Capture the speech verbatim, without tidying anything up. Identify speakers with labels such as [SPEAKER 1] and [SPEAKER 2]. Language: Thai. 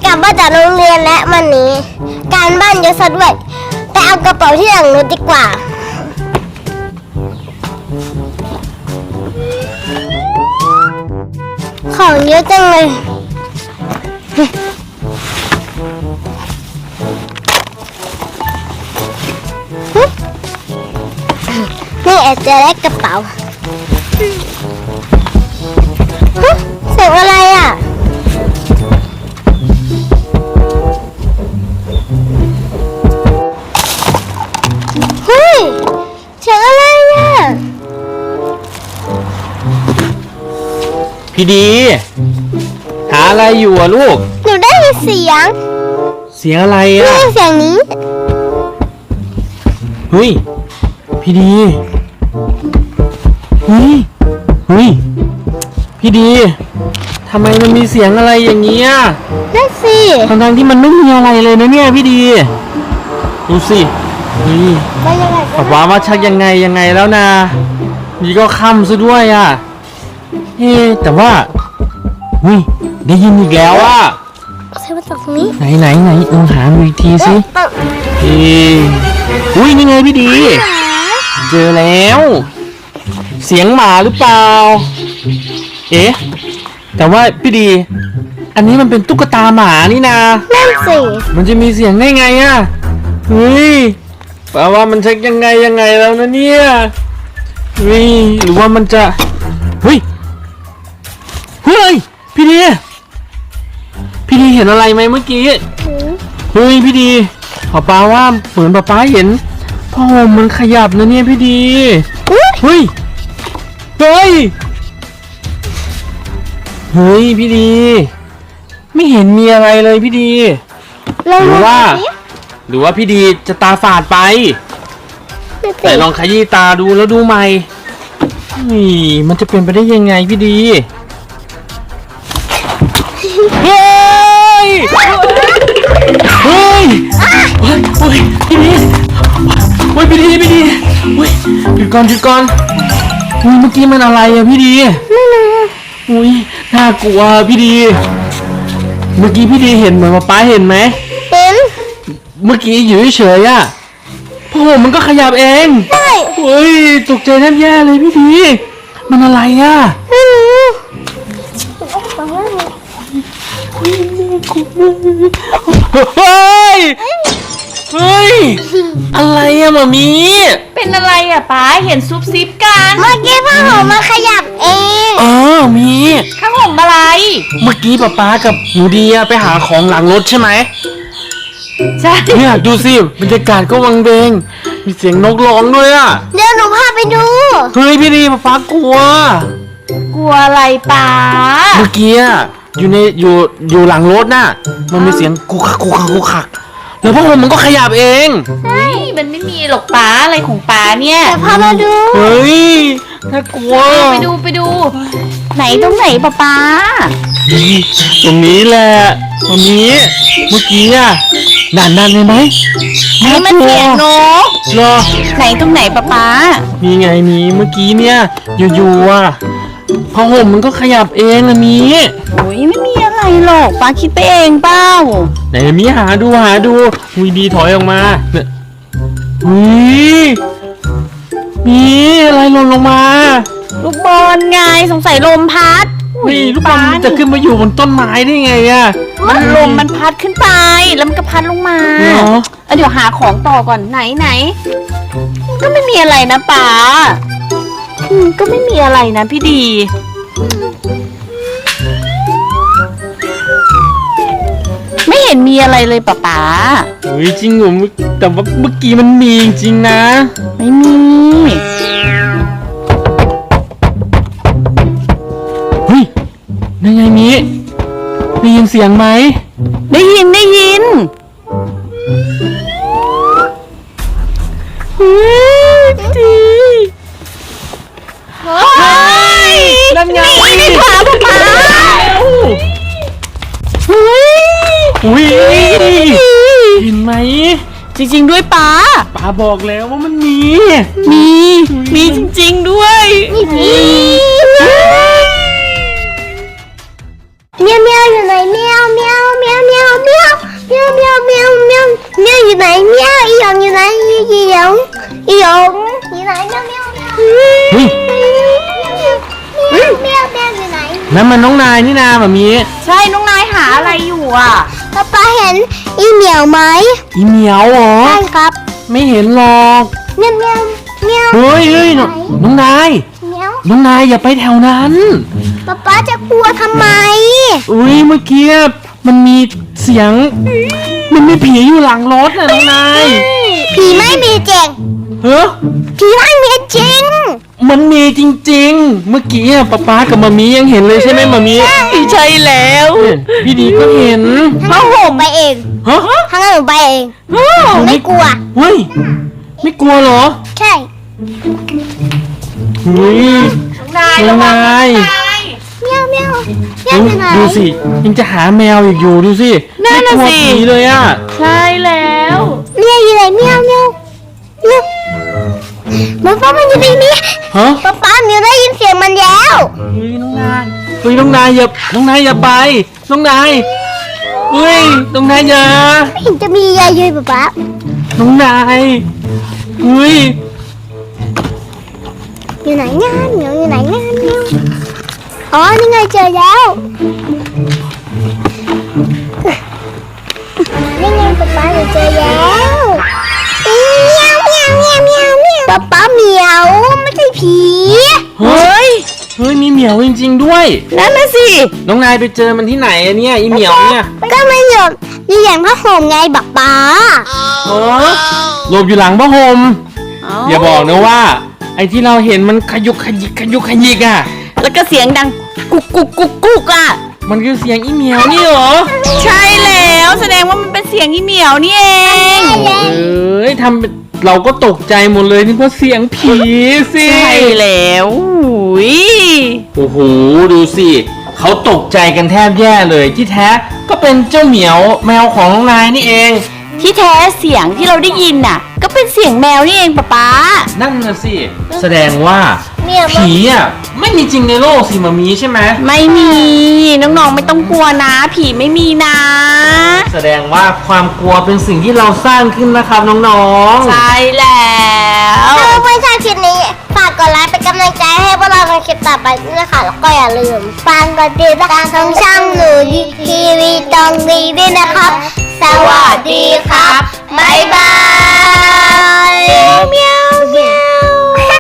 [SPEAKER 1] กลับมาจากโรงเรียนและวันนี้ การบ้านเยอะซะด้วยไปเอากระเป๋าที่หลังรถดีกว่าของเยอะจังเลยนี่แอบจะได้กระเป๋าเสียงอะไรอ่ะเฮ้ยเสียงอะไรอ่ะ
[SPEAKER 2] พี่ดีหาอะไรอยู่อะลูก
[SPEAKER 1] หนูได้ยินเสียง
[SPEAKER 2] เสียงอะไรอะ
[SPEAKER 1] ได้ยินเสียงนี้
[SPEAKER 2] เฮ้ยพี่ดีเฮ้ยเฮ้ยพี่ดีทำไมมันมีเสียงอะไรอย่างเงี้ย
[SPEAKER 1] นั่นสิ
[SPEAKER 2] ทั้งๆที่มันไม่มีอะไรเลยนะเนี่ยพี่ดีดูสินี่ป๊าป๊าว่าชักยังไงยังไงแล้วนะนี่ก็ค่ำซะด้วยอ่ะเฮ้แต่ว่าเฮ้ยได้ยินอีกแล้วอ่ะ
[SPEAKER 1] ใช่มาจากตรงนี้
[SPEAKER 2] ไหนไหนไหนลองหาดูอีกทีสิเฮ้อุ้ยนี่ไงพี่ดีเจอแล้วเสียงหมาหรือเปล่าเอ๊ะแต่ว่าพี่ดีอันนี้มันเป็นตุ๊กตาหมานี่นะ
[SPEAKER 1] นั่นสิ
[SPEAKER 2] มันจะมีเสียงได้ไงอ่ะเฮ้ยแปลว่ามันเช็คยังไงยังไงแล้วนะเนี่ยเฮ้ยหรือว่ามันจะเฮ้ยเฮ้ยพี่ดีพี่ดีเห็นอะไรไหมเมื่อกี้เฮ้ยพี่ดีป๊าป๊าว่าเหมือนป๊าป๊าเห็นพ่อมันขยับนะเนี่ยพี่ดีเฮ้ยเฮ้ยเฮ้ยพี่ดีไม่เห็นมีอะไรเลยพี่ดีหรือว่าหรือว่าพี่ดีจะตาฝาดไปแต่ลองขยี้ตาดูแล้วดูใหม่นี่มันจะเป็นไปได้ยังไงพี่ดีเฮ้ยเฮ้ยเฮ้ยเฮ้ยพี่ดีเฮ้ยพี่ดีพี่ดีเฮ้ยหยุดก่อนหยุดก่อนอุ้ยเมื่อกี้มันอะไรอะพี่ดีไม่รู้อุ้ยน่ากลัวพี่ดีเมื่อกี้พี่ดีเห็นเหมือนป๊าเห็นไหม
[SPEAKER 1] เห็น
[SPEAKER 2] เมื่อกี้อยู่เฉยๆอะพ่อมันก็ขยับเอง
[SPEAKER 1] ใช่
[SPEAKER 2] เฮ้ยตกใจแทบแย่เลยพี่ดีมันอะไรอะ
[SPEAKER 1] ไม่รู้
[SPEAKER 2] เฮ้ยเฮ้ยอะไรอะหมามี
[SPEAKER 3] เป็นอะไรอะป้าเห็นซุบซิบกัน
[SPEAKER 1] เมื่อกี้ผ้าห่มมาขยับเอง
[SPEAKER 2] เออมี
[SPEAKER 3] ผ้าห่มอะไร
[SPEAKER 2] เมื่อกี้ป๊าป๊ากับหนูดีไปหาของหลังรถใช่ไหม
[SPEAKER 3] ใช่
[SPEAKER 2] เนี่ยดูสิบรรยากาศก็วังเวงมีเสียงนกร้องด้วยอะ
[SPEAKER 1] เดี๋ยวหนูพาไปดู
[SPEAKER 2] เฮ้ยพี่ดีป๊าป๊ากลัว
[SPEAKER 3] กลัวอะไรป้า
[SPEAKER 2] เมื่อกี้อยู่ในอยู่อยู่หลังรถน่ะมันมีเสียงกุกคักกุกคักกุกคักแล้วพ่อผมมันก็ขยับเอง
[SPEAKER 3] เฮ้ยมันไม่มีหรอกป้าอะไรของป้าเนี่ย
[SPEAKER 1] เดี๋ยวพามาดู
[SPEAKER 2] เฮ้ยน่ากลัว
[SPEAKER 3] ไปดูไปดูไหนตรงไหนป้าป้า
[SPEAKER 2] ตรงนี้แหละตรงนี้เมื่อกี้อ่ะนานนานเลยไหม
[SPEAKER 3] นี่มันเสียงนก
[SPEAKER 2] รอ
[SPEAKER 3] ไหนตรงไหนป้าป้า
[SPEAKER 2] มีไงมีเมื่อกี้เนี่ยอยู่ๆอ่ะผ้าห่มมันก็ขยับเองนะมี
[SPEAKER 3] โอ้ยไม่มีอะไรหรอกป้าคิดไปเองเปล่า
[SPEAKER 2] ไหนมีหาดูหาดูวีดีถอยออกมาเนี่ยวีมีอะไรหล่นลงมา
[SPEAKER 3] ลูกบอลไงสงสัยลมพัด
[SPEAKER 2] นี่ลูกบอลจะขึ้นมาอยู่บนต้นไม้ได้ไงอ่ะ
[SPEAKER 3] มันลมมันพัดขึ้นไปแล้วมันก็พัดลงมาเออเดี๋ยวหาของต่อก่อนไหนไหนก็ไม่มีอะไรนะป้าก็ไม่มีอะไรนะพี่ดีไม่เห็นมีอะไรเลยป๊าป๊า
[SPEAKER 2] เฮ้ยจริงเหรอแต่ว่าเมื่อกี้มันมีจริงนะ
[SPEAKER 3] ไม่มี
[SPEAKER 2] เฮ้ยนั่นไงมีได้ยินเสียงไหม
[SPEAKER 3] ได้ยินได้ยิน
[SPEAKER 2] เฮ้ยดี
[SPEAKER 3] เฮ้ย
[SPEAKER 2] นั่นไง
[SPEAKER 3] นี่ขวาป๊าป๊า
[SPEAKER 2] เฮ้ยอุ้ยเห็นไหม
[SPEAKER 3] จริงๆด้วยป้า
[SPEAKER 2] ป้าบอกแล้วว่ามันมี
[SPEAKER 3] มีมีจริงๆด้วย
[SPEAKER 1] มีเมียวเมียวอยู่ไหนเมียวเมียวเมียวเมียวไหนเมียวเมียวเมียว
[SPEAKER 2] เฮ้ย
[SPEAKER 1] เมียวเมียวเมียวอยู่ไหน
[SPEAKER 2] นั่นมันน้องนายนี่นาแบบนี้
[SPEAKER 3] ใช่น้องนายหาอะไรอยู่อ่ะ
[SPEAKER 1] ป๊าป๊าเห็นอีเหมียวไหม
[SPEAKER 2] อีเหมียวเหรอ
[SPEAKER 1] ใช่ครับ
[SPEAKER 2] ไม่เห็นหรอก
[SPEAKER 1] เมียวเมียวเมียว
[SPEAKER 2] เฮ้ยเฮ้ยน้องน้องนาย
[SPEAKER 1] เมียว
[SPEAKER 2] น้องนายอย่าไปแถวนั้น
[SPEAKER 1] ป๊าป๊าจะกลัวทำไม
[SPEAKER 2] อุ้ยเมื่อกี้มันมีเสียง มันมีผีอยู่หลังรถน่ะน้องนาย
[SPEAKER 1] ผีไม่มีจริง
[SPEAKER 2] เฮ้ย
[SPEAKER 1] ผีไม่มีจริง
[SPEAKER 2] มันมีจริงๆ เมื่อกี้อะป๊าป๊ากับมามียังเห็นเลยใช่ไหมมามี
[SPEAKER 3] ใช่แล้ว
[SPEAKER 2] พี่ดีก็เห็น
[SPEAKER 1] ทั้งหนูไปเอง
[SPEAKER 2] ฮะ
[SPEAKER 1] ทั้งหนูไปเองไม่กลัว
[SPEAKER 2] เฮ้ยไม่กลัวเหรอ
[SPEAKER 1] ใช่
[SPEAKER 2] เฮ้ย
[SPEAKER 3] น้องนาย
[SPEAKER 2] น้องนาย
[SPEAKER 1] เมียวเมียวเมียวอยู่ไหน
[SPEAKER 2] ดูสิยังจะหาแมวอีกอยู่ดูสิ
[SPEAKER 3] นั่นน่ะ
[SPEAKER 2] ไม่กลัว
[SPEAKER 3] สิ
[SPEAKER 2] ผีเลยอ่ะ
[SPEAKER 3] ใช่แล้ว
[SPEAKER 1] เมียวอยู่ไหนเมียวเมียวเมียวมันป้ามันอยู่ในนี้
[SPEAKER 2] ฮะ
[SPEAKER 1] ป๊าป๊าเมียวได้ยินเสียงมันแล้ว
[SPEAKER 2] เฮ้ยน้องนายเฮ้ยน้องนายอย่าน้องนายอย่าไปน้องนายเฮ้ยน้องนายอย่า
[SPEAKER 1] ไม่เห็นจะมียายเลยป๊าป๊า
[SPEAKER 2] น้องนายเฮ้ย
[SPEAKER 1] อยู่ไหนงานเมียวอยู่ไหนงานเมียวอ๋อนี่ไงเจอแล้วนี่ไงป๊าป๊าหนูเจอแล้วเมียวเมียวเมียวเมียวเมียวป๊าป๊าเมียวไม่ใช่ผี
[SPEAKER 2] เฮ้ยเฮ้ยมีเหมียวจริงๆด้วย
[SPEAKER 3] นั่นน่ะสิ
[SPEAKER 2] น้องนายไปเจอมันที่ไหนอะเนี่ยอีเหมียวเนี่ย
[SPEAKER 1] ก็ไม่หยบอยู่อย่างผ้าห่มไงป๊าป๊า
[SPEAKER 2] เออหลบอยู่หลังผ้าห่มอย่าบอกนะว่า ไอ้ที่เราเห็นมันขยุกขยิกขยุกขยิกอ่ะ
[SPEAKER 3] แล้วก็เสียงดังกุกกุกกุกกุกอ่ะ
[SPEAKER 2] มันคือเสียงอีเหมียวนี่เหรอ
[SPEAKER 3] ใช่แล้วแสดงว่ามันเป็นเสียงอีเหมียวนี่เอง
[SPEAKER 2] เอ้ยทำเป็นเราก็ตกใจหมดเลยนี่เพราะเสียงผีสิ
[SPEAKER 3] ใช่แล้วอุ้ย
[SPEAKER 2] โอ้โหดูสิเขาตกใจกันแทบแย่เลยที่แท้ก็เป็นเจ้าเหมียวแมวของน้องนายนี่เอง
[SPEAKER 3] ที่แท้เสียงที่เราได้ยินน่ะ ก็เป็นเสียงแมวนี่เองป๊าป๊า
[SPEAKER 2] นั่นน่ะสิแสดงว่า
[SPEAKER 1] เมียว
[SPEAKER 2] ผีอ่ะไม่มีจริงในโลกสิมามีใช่ไหม
[SPEAKER 3] ไม่มีน้องๆไม่ต้องกลัวนะ ผีไม่มีนะ
[SPEAKER 2] แสดงว่าความกลัวเป็นสิ่งที่เราสร้างขึ้นนะครับน้องๆ
[SPEAKER 3] ใช่แล้ว
[SPEAKER 1] ถ้าเพื่อนๆชอบคลิปนี้ฝากกดไลค์เป็นกำลังใจให้พวกเราในคลิปต่อไปด้วยนะคะแล้วก็อย่าลืมฟังกดติดตามทางช่องหนูทีวีตรงนี้ด้วยนะครับ สวัสดีครับ บ๊ายบายเมียว